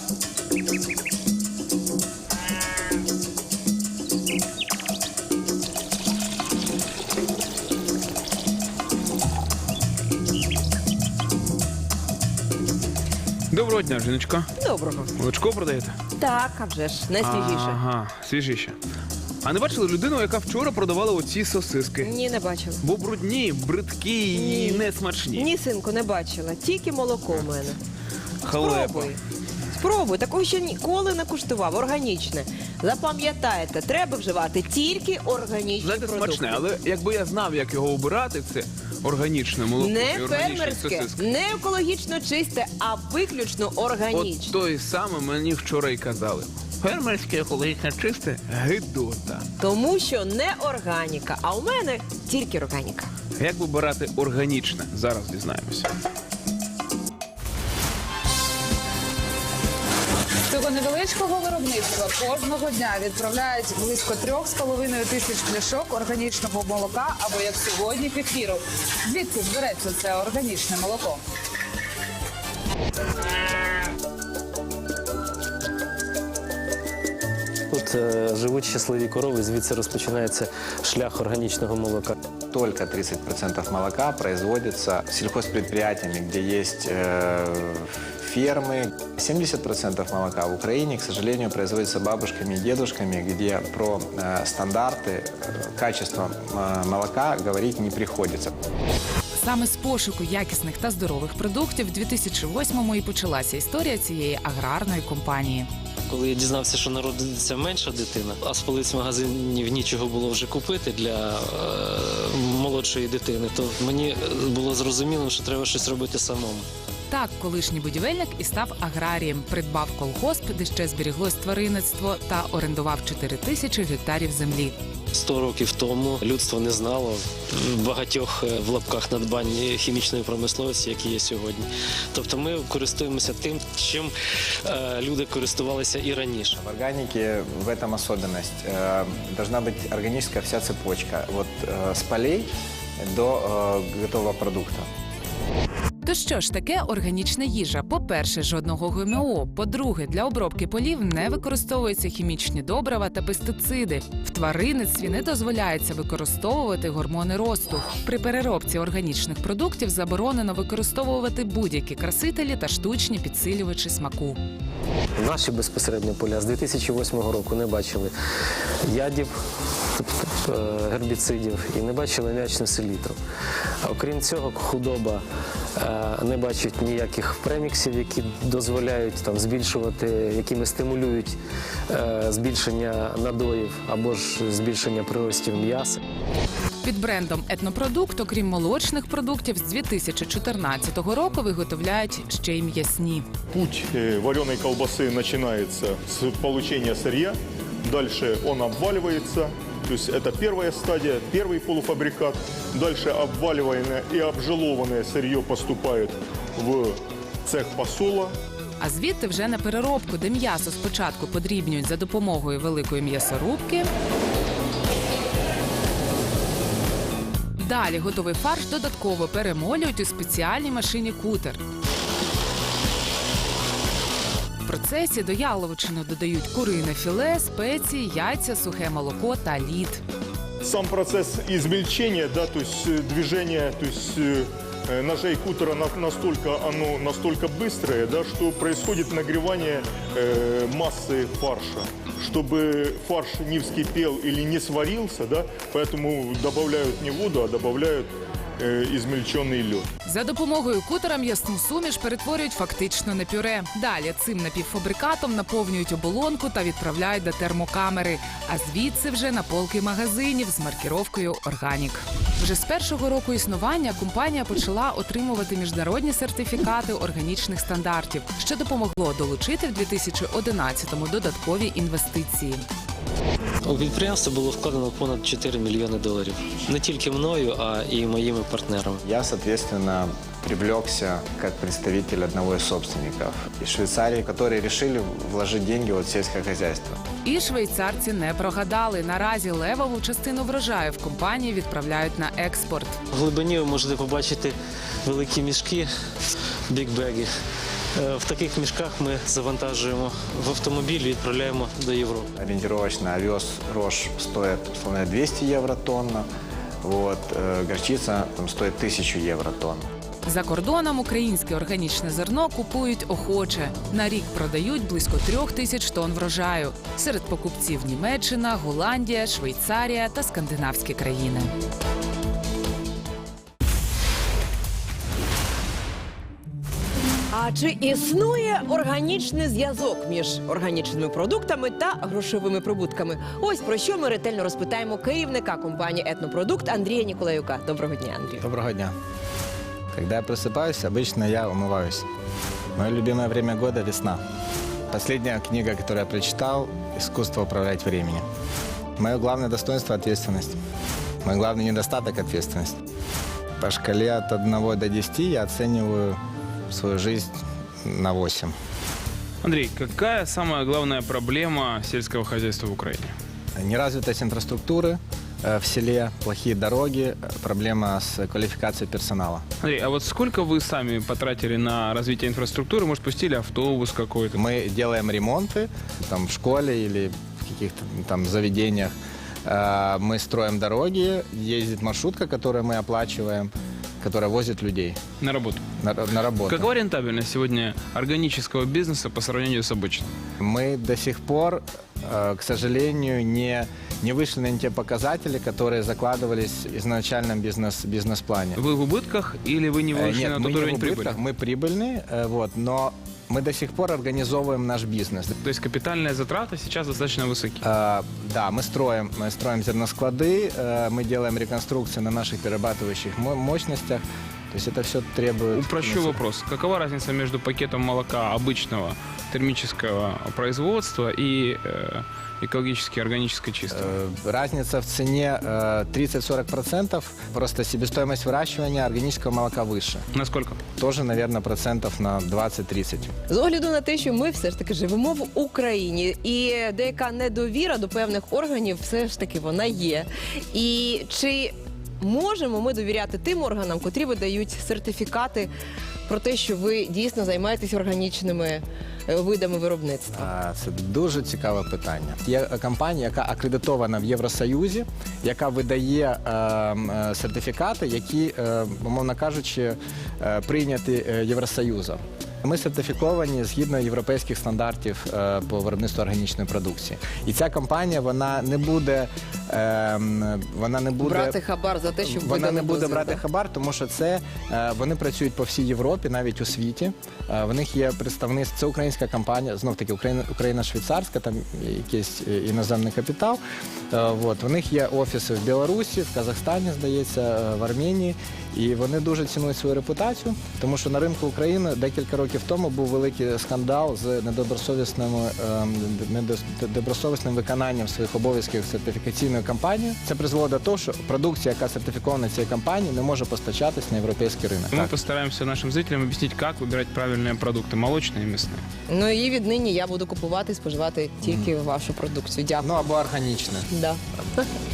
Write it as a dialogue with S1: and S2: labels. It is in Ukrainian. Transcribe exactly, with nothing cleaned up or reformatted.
S1: Доброго дня, жіночко.
S2: Доброго.
S1: Молочко продаєте?
S2: Так, а вже ж, найсвіжіше.
S1: Ага, свіжіше. А не бачили людину, яка вчора продавала оці сосиски?
S2: Ні, не бачила.
S1: Бо брудні, бридкі і несмачні.
S2: Ні, синку, не бачила. Тільки молоко в мене.
S1: Халепа.
S2: Спробуй. Спробуй. Такого ще ніколи не куштував. Органічне. Запам'ятайте, треба вживати тільки органічні
S1: Знаєте,
S2: продукти.
S1: смачне, але якби я знав, як його обирати, це органічне молоко і
S2: Не
S1: органічні
S2: фермерське,
S1: сосиски.
S2: не екологічно чисте, а виключно органічне.
S1: От той саме мені вчора й казали. Фермерське, екологічне, чисте – гидота.
S2: Тому що не органіка, а у мене тільки органіка.
S1: Як вибирати органічне? Зараз дізнаємося.
S3: З цього невеличкого виробництва кожного дня відправляють близько трьох з половиною тисяч пляшок органічного молока або, як сьогодні, кефіру. Звідки ж береться це органічне молоко?
S4: Тут е, живуть щасливі корови, звідси розпочинається шлях органічного молока.
S5: Только тридцать процентов молока производится сельхозпредприятиями, где есть э, фермы. семьдесят процентов молока в Украине, к сожалению, производится бабушками и дедушками, где про э, стандарты, э, качество э, молока говорить не приходится.
S6: Саме з пошуку якісних та здорових продуктів в дві тисячі восьмому і почалася історія цієї аграрної компанії.
S4: Коли я дізнався, що народиться менша дитина, а з полиць магазинів нічого було вже купити для е, молодшої дитини, то мені було зрозуміло, що треба щось робити самому.
S6: Так, колишній будівельник і став аграрієм, придбав колгосп, де ще зберіглось тваринництво, та орендував чотири тисячі гектарів землі.
S4: Сто років тому людство не знало багатьох в лапках надбань хімічної промисловості, які є сьогодні. Тобто ми користуємося тим, чим е, люди користувалися і раніше.
S5: В органике в этом особенность. Э, должна быть органическая вся цепочка. Вот э, с полей до э, готового продукта.
S6: То що ж таке органічна їжа? По-перше, жодного ГМО. По-друге, для обробки полів не використовуються хімічні добрива та пестициди. В тваринництві не дозволяється використовувати гормони росту. При переробці органічних продуктів заборонено використовувати будь-які красителі та штучні підсилювачі смаку.
S4: Наші безпосередньо поля з дві тисячі восьмого року не бачили ядів, тобто гербіцидів, і не бачили м'ячну селітру. А окрім цього, худоба не бачить ніяких преміксів, які дозволяють там збільшувати, якими стимулюють е, збільшення надоїв або ж збільшення приростів м'яса.
S6: Під брендом «Етнопродукт», окрім молочних продуктів, з дві тисячі чотирнадцятого року виготовляють ще й м'ясні.
S7: Путь вареной колбасы начинается с получения сырья, дальше он обваливается, то есть это первая стадия, первый полуфабрикат, дальше обваливаемое и обжелованное сырье поступает в цех посола.
S6: А звідти вже на переробку, де м'ясо спочатку подрібнюють за допомогою великої м'ясорубки. Далі готовий фарш додатково перемолюють у спеціальній машині кутер. В процесі до яловичини додають курине філе, спеції, яйця, сухе молоко та лід.
S7: Сам процесс измельчения, да, то есть движение, то есть э, ножей кутера на- настолько, оно настолько быстрое, да, что происходит нагревание э, массы фарша. Чтобы фарш не вскипел или не сварился, да, поэтому добавляют не воду, а добавляют э, измельченный лед.
S6: За допомогою кутера м'ясну суміш перетворюють фактично на пюре. Далі цим напівфабрикатом наповнюють оболонку та відправляють до термокамери. А звідси вже на полки магазинів з маркіровкою «Органік». Вже з першого року існування компанія почала отримувати міжнародні сертифікати органічних стандартів, що допомогло долучити в дві тисячі одинадцятому додаткові інвестиції.
S4: У підприємство було вкладено понад чотири мільйони доларів. Не тільки мною, а і моїми партнерами.
S5: Я, соответственно, привлекся как представитель одного из собственников из Швейцарии, которые решили вложить деньги вот в сельское хозяйство.
S6: І швейцарці не прогадали. Наразі левову частину врожаю в компанії відправляють на експорт.
S4: В глибині ви можете побачити великі мішки, бікбеги. Е, В таких мішках ми завантажуємо в автомобіль і відправляємо до Європи.
S5: Ориентировочно овес рожь стоит условно двести евро тонна, вот, э, горчица там, стоит тысячу евро тонна.
S6: За кордоном українське органічне зерно купують охоче. На рік продають близько трьох тисяч тонн врожаю. Серед покупців Німеччина, Голландія, Швейцарія та скандинавські країни.
S2: А чи існує органічний зв'язок між органічними продуктами та грошовими прибутками? Ось про що ми ретельно розпитаємо керівника компанії «Етнопродукт» Андрія Ніколаюка. Доброго дня, Андрію.
S5: Доброго дня. Когда я просыпаюсь, обычно я умываюсь. Мое любимое время года – весна. Последняя книга, которую я прочитал – «Искусство управлять временем». Мое главное достоинство – ответственность. Мой главный недостаток – ответственность. По шкале от одного до десяти я оцениваю свою жизнь на восемь.
S1: Андрей, какая самая главная проблема сельского хозяйства в Украине?
S5: Неразвитость инфраструктуры э, в селе, плохие дороги, э, проблема с квалификацией персонала.
S1: Андрей, а вот сколько вы сами потратили на развитие инфраструктуры? Может, пустили автобус какой-то?
S5: Мы делаем ремонты там, в школе или в каких-то там заведениях. Э, Мы строим дороги, ездит маршрутка, которую мы оплачиваем, которая возит людей
S1: На работу.
S5: на, на работу.
S1: Какова рентабельность сегодня органического бизнеса по сравнению с обычным?
S5: Мы до сих пор, э, к сожалению, не, не вышли на те показатели, которые закладывались в изначальном бизнес, бизнес-плане.
S1: Вы в убытках или вы не
S5: Э,
S1: вышли
S5: Нет,
S1: на
S5: мы
S1: тот
S5: не в
S1: уровень
S5: убытках,
S1: прибыли?
S5: мы прибыльные, э, вот, но мы до сих пор организовываем наш бизнес.
S1: То есть капитальные затраты сейчас достаточно высоки.
S5: Э, Да, мы строим, мы строим зерносклады, э, мы делаем реконструкции на наших перерабатывающих мо- мощностях. То есть это все требует...
S1: Упрощу вопрос. Какова разница между пакетом молока обычного термического производства и э, экологически органически чистого?
S5: Э, Разница в цене э, тридцать-сорок процентов. Просто себестоимость выращивания органического молока выше.
S1: Насколько?
S5: Тоже, наверное, процентов на двадцать-тридцать.
S2: З огляду на те, що ми все ж таки живемо в Україні, і деяка недовіра до певних органів все ж таки вона є. І чи можемо ми довіряти тим органам, котрі видають сертифікати про те, що ви дійсно займаєтесь органічними е, видами виробництва?
S5: А, Це дуже цікаве питання. Є компанія, яка акредитована в Євросоюзі, яка видає е, е, сертифікати, які, е, умовно кажучи, е, прийняті е, Євросоюзом. Ми сертифіковані згідно європейських стандартів е, по виробництву органічної продукції. І ця компанія, вона не буде, е, вона не буде
S2: Брати хабар за те, щоб
S5: вона
S2: видали
S5: не буде
S2: дозвіл,
S5: брати
S2: так?
S5: хабар, тому що це е, вони працюють по всій Європі, навіть у світі. Е, В них є представництво, це українська компанія, знов таки Україна, Україна швейцарська, там якийсь е, іноземний капітал. Е, От. У них є офіси в Білорусі, в Казахстані, здається, е, в Арменії. І вони дуже цінують свою репутацію, тому що на ринку України декілька років тому був великий скандал з недобросовісним, ем, недобросовісним виконанням своїх обов'язків сертифікаційною компанією. Це призвело до того, що продукція, яка сертифікована цією компанією, не може постачатись на європейський ринок.
S1: Мы постараемся нашим зрителям объяснить, как выбирать правильные продукты, молочные и мясные.
S2: Ну і віднині я буду купувати і споживати тільки вашу продукцію. Дякую.
S5: Ну або органічне.
S2: Да.